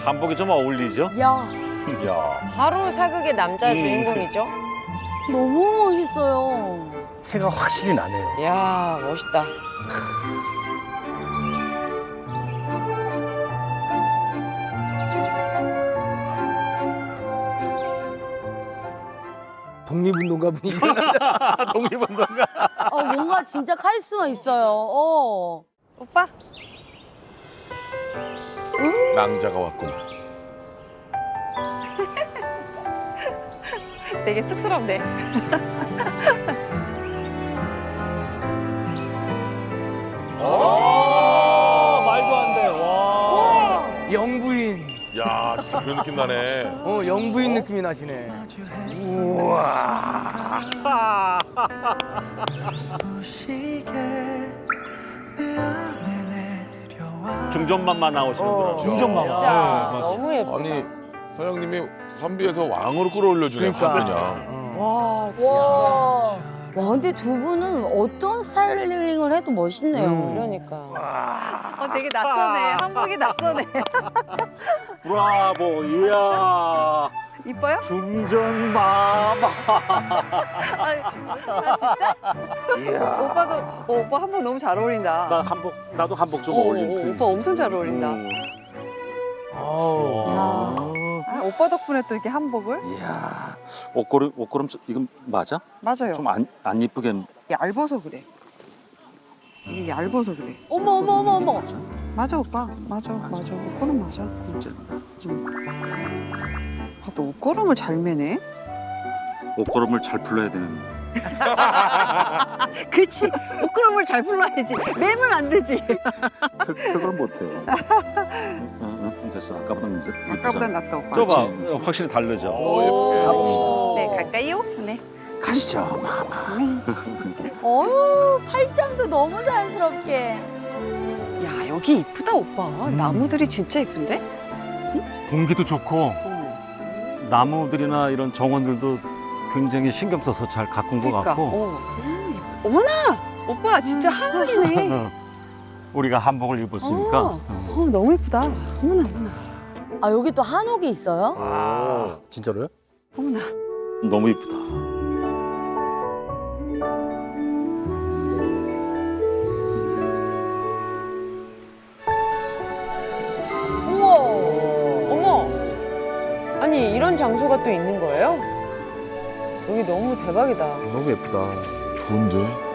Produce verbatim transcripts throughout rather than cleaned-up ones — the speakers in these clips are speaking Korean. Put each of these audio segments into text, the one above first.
한복이 좀 어울리죠? 야, 야. 바로 사극의 남자 음. 주인공이죠. 너무 멋있어요. 해가 확실히 나네요. 이야, 멋있다. 독립운동가 분위기. 독립운동가. 어, 뭔가 진짜 카리스마 있어요. 어. 오빠. 낭자가 왔구만. 되게 쑥스럽네. 아, 말도 안 돼. 와. 영부인. 야, 진짜 그런 느낌 나네. 어, 영부인 느낌이 나시네. 중전만만 나오시는 어, 분이죠. 중전마마. 진짜 네, 너무 예뻐. 아니, 서영님이 선비에서 왕으로 끌어올려주네. 그러니까. 그냥. 어. 와, 진짜. 와. 와, 근데 두 분은 어떤 스타일링을 해도 멋있네요. 음. 그러니까. 어, 되게 낯서네. 한복이 낯서네. 브라보. 이야. 이뻐요? 중전마마. 아, 진짜? 오빠도 어, 오빠 한복 너무 잘 어울린다. 나 한복 나도 한복 좀 어, 어울린 어, 편이지. 오빠 엄청 잘 어울린다. 음. 아우. 야. 아, 오빠 덕분에 또 이렇게 한복을? 이야. 옷걸음 옷걸음 이건 맞아? 맞아요. 좀 안 안 이쁘게. 얇아서 그래. 이게 얇아서 그래. 어머, 어머, 어머, 어머. 맞아 오빠. 맞아 맞아. 옷걸음 맞아. 진짜. 아, 또 옷걸음을 잘 매네. 옷걸음을 잘 풀러야 되는. 그렇지. 옷걸음을 잘 불러야지. 매면 안 되지. 그 그걸 못해요. 응, 응, 됐어. 아까보다 이제 아까보다 낫다 오빠. 좁아. 확실히 다르죠. 오, 네 갈까요? 네. 가시죠. 어유, 팔짱도 너무 자연스럽게. 야 여기 이쁘다 오빠. 나무들이 진짜 이쁜데? 공기도 좋고 나무들이나 이런 정원들도 굉장히 신경 써서 잘 가꾼 것 그러니까. 같고. 어. 어머나 오빠 진짜 하늘이네. 우리가 한복을 입었으니까. 어. 어. 어 너무 이쁘다. 어머나 어머나 아, 여기 또 한옥이 있어요? 아, 진짜로요? 어머나. 너무 이쁘다. 우와. 어머! 아니, 이런 장소가 또 있는 거예요? 여기 너무 대박이다. 너무 예쁘다. 좋은데?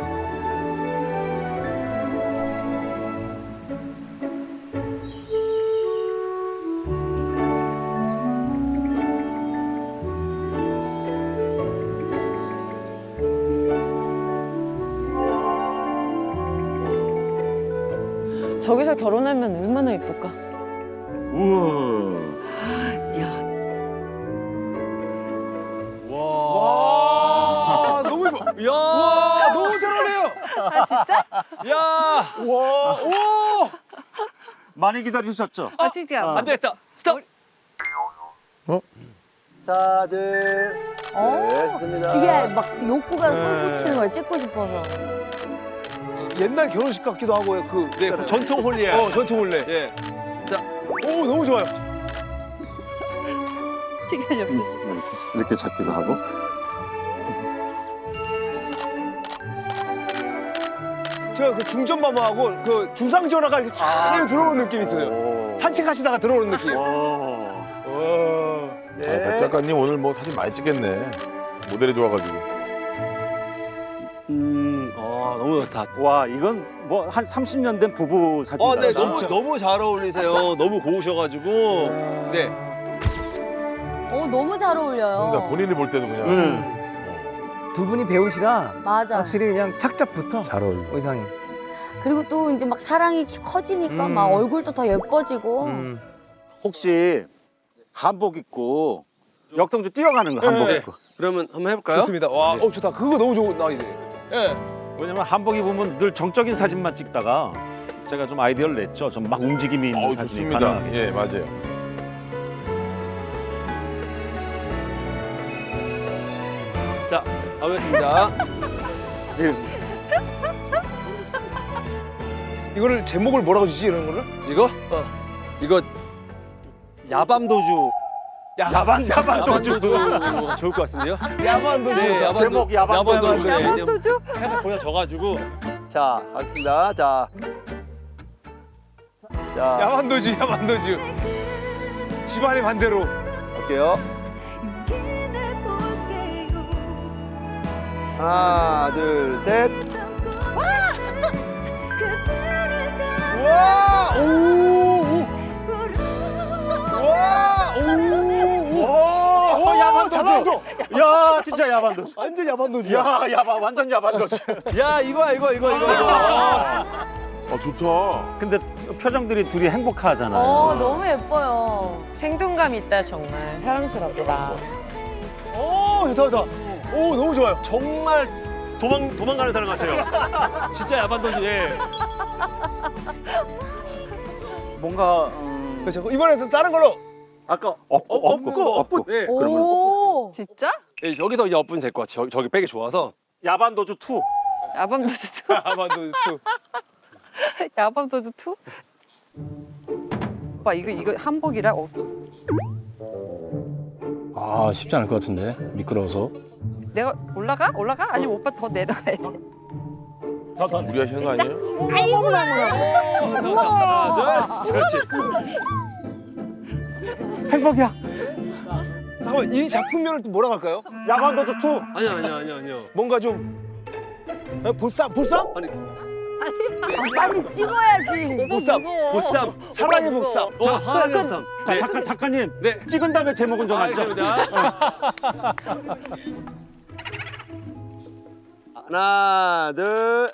저기서 결혼하면 얼마나 예쁠까? 우와. 야 와, 너무 예뻐. 야, 너무 잘 어울려요. 아 진짜? 야, 와, 오, 많이 기다리셨죠? 아 진짜. 안 되겠다. 스톱. 자들 어. 네, 좋습니다. 이게 막 욕구가 솟구치는 거예요. 찍고 싶어서. 옛날 결혼식 같기도 하고요. 그, 네, 그 전통 홀리예요. 어, 전통 원래. 예. 오, 너무 좋아요. 지금 옆에. 이렇게 잡기도 하고. 제가 그 중전마마하고 그 주상전화가 이렇게 쫙 들어오는 느낌이 있어요. 오. 산책하시다가 들어오는 느낌. 오. 어. 아, 백 작가님 오늘 뭐 사진 많이 찍겠네. 모델이 좋아가지고. 음, 아, 너무 좋다. 와, 이건 뭐 한 삼십 년 된 부부 사진. 어, 네, 같다. 너무, 너무 잘 어울리세요. 너무 고우셔가지고. 네. 어, 너무 잘 어울려요. 그러니까 본인이 볼 때도 그냥. 응. 두 분이 배우시라 맞아. 확실히 그냥 착잡부터 잘 어울려. 의상이. 그리고 또 이제 막 사랑이 키- 커지니까 음. 막 얼굴도 더 예뻐지고. 음. 혹시 한복 입고 역동주 뛰어가는 거 한복 네. 입고. 그러면 한번 해볼까요? 좋습니다. 와, 어, 좋다. 그거 너무 좋은 나이네. 예. 왜냐면 한복 입으면 늘 정적인 사진만 찍다가 제가 좀 아이디어를 냈죠. 좀 막 움직임이 있는 어, 사진이 좋습니다. 가능하게. 예, 맞아요. 자, 가보겠습니다. 예. 이거를 제목을 뭐라고 주지 이런 거를? 이거? 이거 야밤도주. 야, 야반 야반 야밤도주 좋을 것 같은데요? 야반도 네, 야밤도, 제목 야밤도주. 야밤도주. 네, 야밤도주? 해가 보여져가지고. 자, 가겠습니다. 자. 자, 야반도주 야반도주. 집안의 반대로. 갈게요. 하나, 둘, 셋. 와! 오! 오! 와! 오! 오, 오! 야반도주. 잘 나왔어. 야, 진짜 야반도주. 완전 야반도주야. 야, 야반 완전 야반도주. 야, 이거야, 이거, 이거, 이거, 이거. 아 좋다. 근데 표정들이 둘이 행복하잖아요. 어, 너무 예뻐요. 생동감 있다 정말. 사랑스럽다. 오, 좋다 좋다. 오, 너무 좋아요. 정말 도망, 도망가는 사람 같아요. 진짜 야반도주, 예. 뭔가 음, 그렇죠. 이번에는 다른 걸로. 아까 업고 업고 업고. 네. 오. 진짜? 예, 여기서 이제 엎으면 될 것 같아요. 저기, 저기 백이 좋아서. 야반도주 투. 야밤도주 투? 야반도주. 야밤도주 투? 오빠 이거 이거 한복이라 어, 아 쉽지 않을 것 같은데 미끄러워서. 내가 올라가? 올라가? 아니면 오빠 더 내려가야 돼? 우리 하시는 거 아니에요? 하나, 둘. 그렇지. 행복이야. 잠깐만, 이 작품명을 또 뭐라고 할까요? 야반도주 투. 아니요, 아니요, 아니요, 아니요. 뭔가 좀 어, 보쌈, 보쌈? 아니, 아, 빨리 찍어야지. 보쌈, 보쌈. 사랑의 보쌈. 자, 하나의 보쌈. 자, 네. 작가 작가님. 네. 찍은 다음에 제목은 좀 하죠. 알겠습니다. 하나, 둘.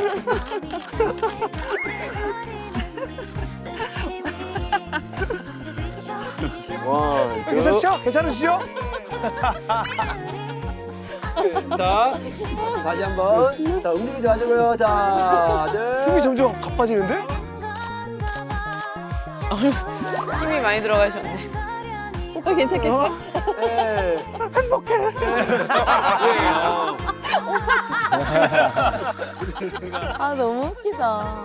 와, 괜찮죠? 괜찮으시죠? 자, 다시 한 번. 자, 움직이지 마시고요. 자, 힘이 둘. 점점 가빠지는데? 힘이 많이 들어가셨네. 오빠 괜찮겠어? 네. 아, 너무 웃기다.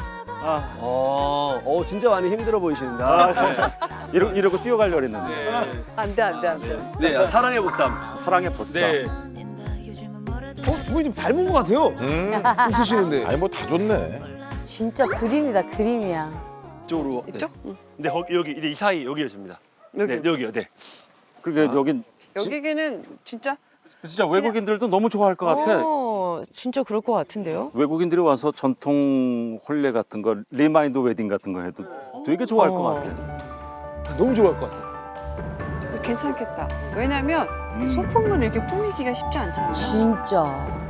어, 어, 진짜 많이 힘들어 보이시는데. 이러, 이러고 뛰어가려고 했는데. 안돼 안돼 안돼. 네, 사랑의 보쌈. 사랑의 보쌈. 네. 어, 두 분이 좀 닮은 것 같아요. 음. 웃으시는데. 아니 뭐 다 좋네. 진짜 그림이다, 그림이야. 이쪽으로. 이쪽? 네. 네, 거기, 여기, 이 사이, 여기였습니다. 여기 네, 여기요, 네. 그러게 여긴 여기는 진짜 진짜 외국인들도 너무 좋아할 것 같아. 어, 진짜 그럴 것 같은데요? 외국인들이 와서 전통 혼례 같은 거, 리마인드 웨딩 같은 거 해도 되게 좋아할 것 어. 같아. 너무 좋아할 것 같아. 괜찮겠다. 왜냐면 음. 소품을 이렇게 꾸미기가 쉽지 않잖아요. 진짜.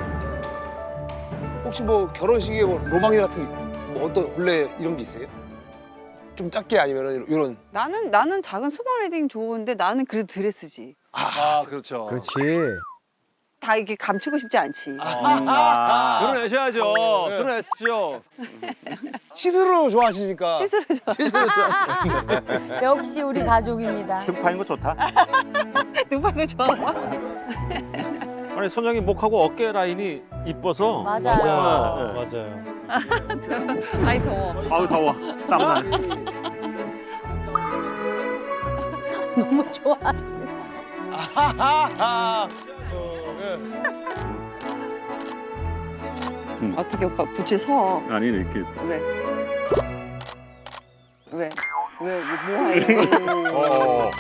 혹시 뭐 결혼식에 뭐 로망이 같은 뭐 어떤 혼례 이런 게 있어요? 좀 작게 아니면은 이런. 나는 나는 작은 스몰 웨딩 좋은데 나는 그래도 드레스지. 아, 그렇죠. 그렇지. 다 이렇게 감추고 싶지 않지. 아. 드러내셔야죠. 드러내십시오. 시스루 좋아하시니까. 시스루 역시 우리 가족입니다. 등 파인 거 좋다. 누가 그 좋아? 아니 선영이 목하고 어깨 라인이 이뻐서. 맞아요. 정말, 예. 맞아요. 아이 더워. 아우 더워. 땀나. 너무 좋아하시. 아하하하. 어떻게 오빠 부채 서? 아니 이렇게. 왜? 왜? 왜? 뭐 하는 거? 어.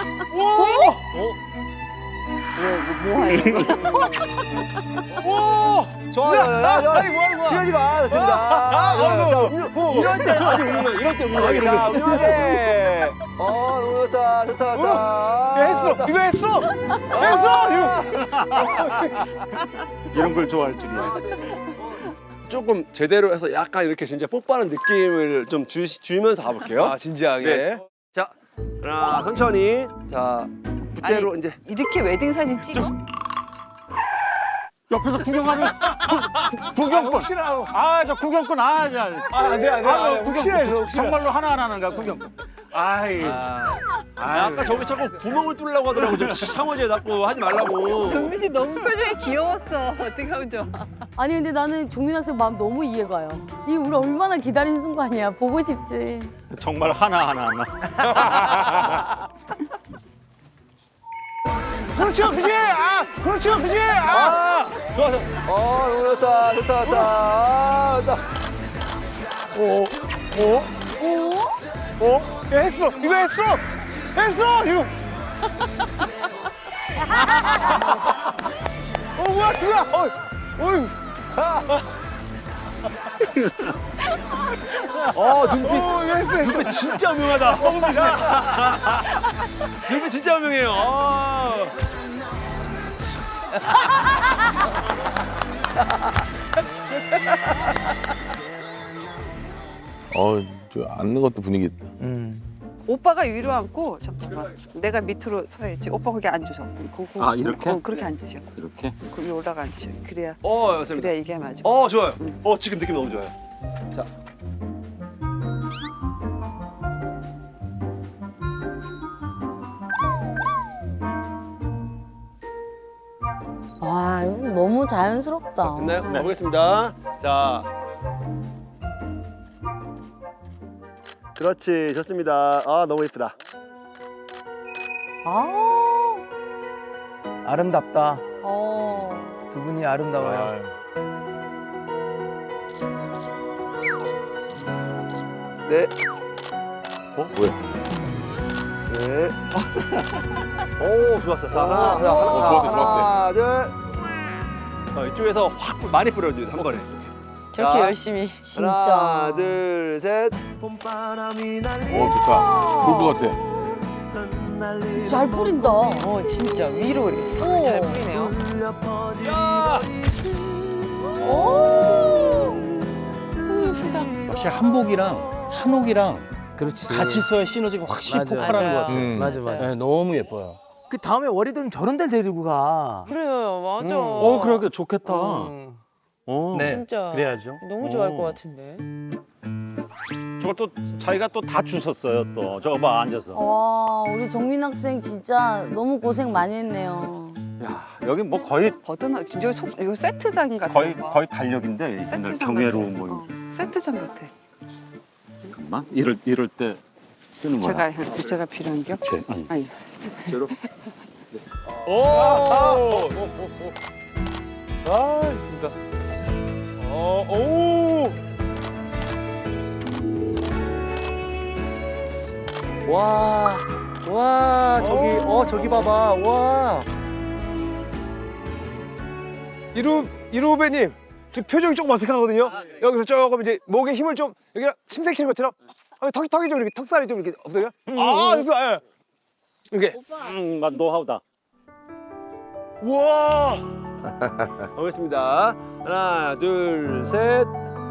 왜? 뭐 하는 거? 오! 좋아요. 야, 야, 이거 뭐 하는 거야? 지어지 마. 됐습니다. 아, 아, 이럴 때 아직 웃는 거야. 이럴 때 웃는 거야. 자, 웃는데. 어, 너무 좋다. 좋다, 좋다. 야, 했어. 이거 했어. 했어. 이거. 이런 걸 좋아할 줄이야. 조금 제대로 해서 약간 이렇게 진짜 뽀뽀하는 느낌을 좀 주, 주면서 가볼게요. 아, 진지하게. 네. 자, 하나, 천천히. 자, 부채로 이제. 이렇게 웨딩 사진 찍어? 옆에서 구경하면 구경꾼. 혹시나. 아 저 구경꾼 아 자. 아, 안 돼, 안 돼. 아, 안 돼. 구경꾼. 혹시나 해서 혹시나. 정말로 하나 하나는 가 구경꾼. 아이. 아, 아까 저기 자꾸 구멍을 뚫으려고 하더라고. 저 샤워제 자꾸 하지 말라고. 정민 씨 너무 표정이 귀여웠어. 어떻게 하면 좋아? 아니 근데 나는 종민 학생 마음 너무 이해가요. 이 우리 얼마나 기다린 순간이야. 보고 싶지. 정말 하나하나 하나. 그렇죠, 그지? 아, 그렇죠, 그지? 아, 좋아, 좋아. 어, 너무 좋다, 좋다, 좋다. 아, 좋다. 오, 오, 오? 오, 야, 했어, 이거 했어, 했어, 이거. 어, 뭐야, 뭐야, 어, 어이. 어, 눈빛. 어, 이거 했어, 했어. 눈빛 진짜 음흉하다. 눈빛 진짜 음흉해요. 아. 어, 저 앉는 것도 분위기 있다. 오빠가 위로 앉고 잠깐만. 내가 밑으로 서야지. 오빠 거기 앉으셔. 거, 거, 아, 이렇게? 거, 그렇게 앉으셔. 이렇게. 거기 올라가 앉으셔. 그래야 어, 맞습니다. 그래야 이게 맞아. 어, 좋아요. 어, 지금 느낌 너무 좋아요. 자. 와 이거 너무 자연스럽다. 됐나요? 가보겠습니다. 자. 그렇지, 좋습니다. 아, 너무 예쁘다. 아. 아름답다. 어. 두 분이 아름다워요. 네. 어, 뭐야? 네. 오, 좋았어. 자, 하나, 하나, 어, 좋았대, 하나, 둘. 어, 이쪽에서 확 많이 뿌려줘요, 한번에. 저렇게 자. 열심히. 진짜. 하나, 둘, 셋. 오, 좋다. 좋을 것 같아. 잘 뿌린다. 어 진짜 위로 이렇게 싹 잘 뿌리네요. 야! 오. 확실히 한복이랑 한옥이랑 그렇지. 같이 써야 시너지가 확실히 맞아. 폭발하는 것 같아요. 음. 맞아, 맞아. 네, 너무 예뻐요. 그 다음에 월이돈 저런 데를 데리고 가. 그래요, 맞아. 어, 그러게 좋겠다. 음. 어. 네, 진짜. 그래야죠. 너무 좋아할 어. 것 같은데. 저걸 또 자기가 또 다 주셨어요 또. 저거 봐 앉아서. 와 우리 정민 학생 진짜 너무 고생 많이 했네요. 야 여기 뭐 거의 버드나 진짜 속 이거 세트장 같아. 거의 거의 달력인데 이분들 세트장 경애로 같아. 뭐 어, 세트장 같아. 잠깐만 이럴 이럴 때 쓰는 거야. 제가 해- 제가 필요한 게. 제, 아니. 아니. 제로. 오! 아, 진짜. 어, 오! 와, 와, 저기, 어, 저기 봐봐, 와. 이루 이루 후배님, 지금 표정이 조금 어색하거든요. 여기서 조금 이제 목에 힘을 좀 여기가 침샘키는 것처럼 아, 턱 턱이 좀 이렇게 턱살이 좀 이렇게 없어요? 아, 그래서 예. 이렇게. 음, 맞 노하우다. 우와. 가보겠습니다. 하나, 둘, 셋.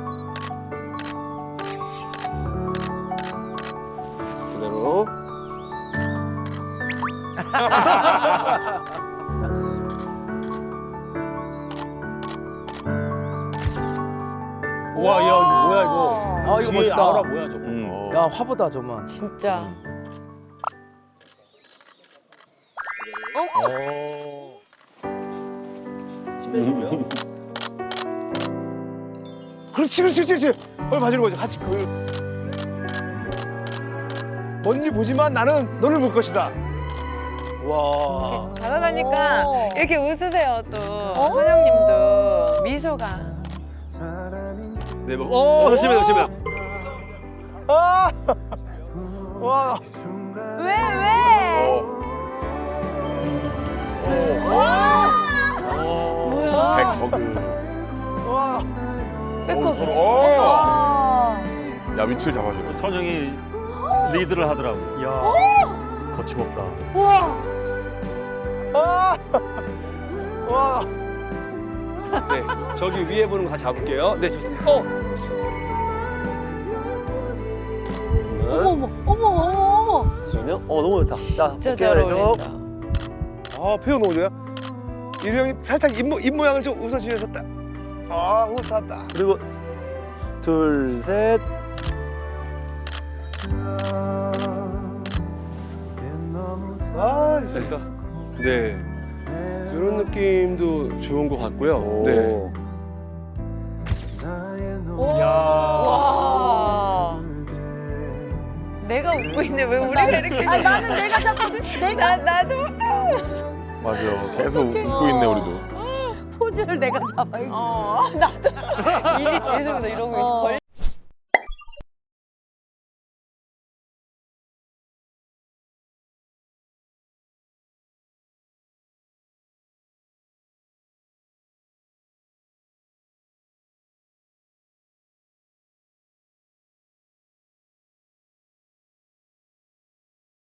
그대로. 와, 야, 이거 뭐야 이거? 아, 이거 뒤에 멋있다. 아우라 뭐야 저거? 음. 야, 화보다 정말. 진짜. 오. 신배시고요. 그렇지, 그렇지, 그렇지, 그렇지. 얼 봐주는 거죠. 같이 그. 먼일 보지만 나는 너를 볼 것이다. 와. 잘하다니까 오. 이렇게 웃으세요 또. 선영님도 미소가. 네, 뭐. 오, 조심해, 조심해. 아, 와. 왜 왜? 뭐야? 백허그. 와. 백허그. 서로. 어. 와. 야, 위치를 잡아줘. 선영이 리드를 하더라고. 야, 거침없다. 우와. 아. 와. 네, 저기 위에 보는 거 다 잡을게요. 네, 좋습니다. 어. 어머 어머 어머 어머 어머. 잠시만요. 어, 너무 좋다. 자, 진짜 어깨가 잘 해서. 어울린다. 아, 표현 너무 좋아요. 이루 형이 살짝 입, 모, 입 모양을 좀 웃어주면서 딱. 아, 웃었다. 그리고 둘, 셋. 그러니까 네 이런 느낌도 좋은 것 같고요. 네. 와. 내가 웃고 있네. 왜 우리가 이렇게? 아 나는 내가 자꾸 내가 나 나도. 맞아. 계속 웃고 있네 우리도. 포즈를 내가 잡아. 어 나도 입이 계속 이러고 어. 벌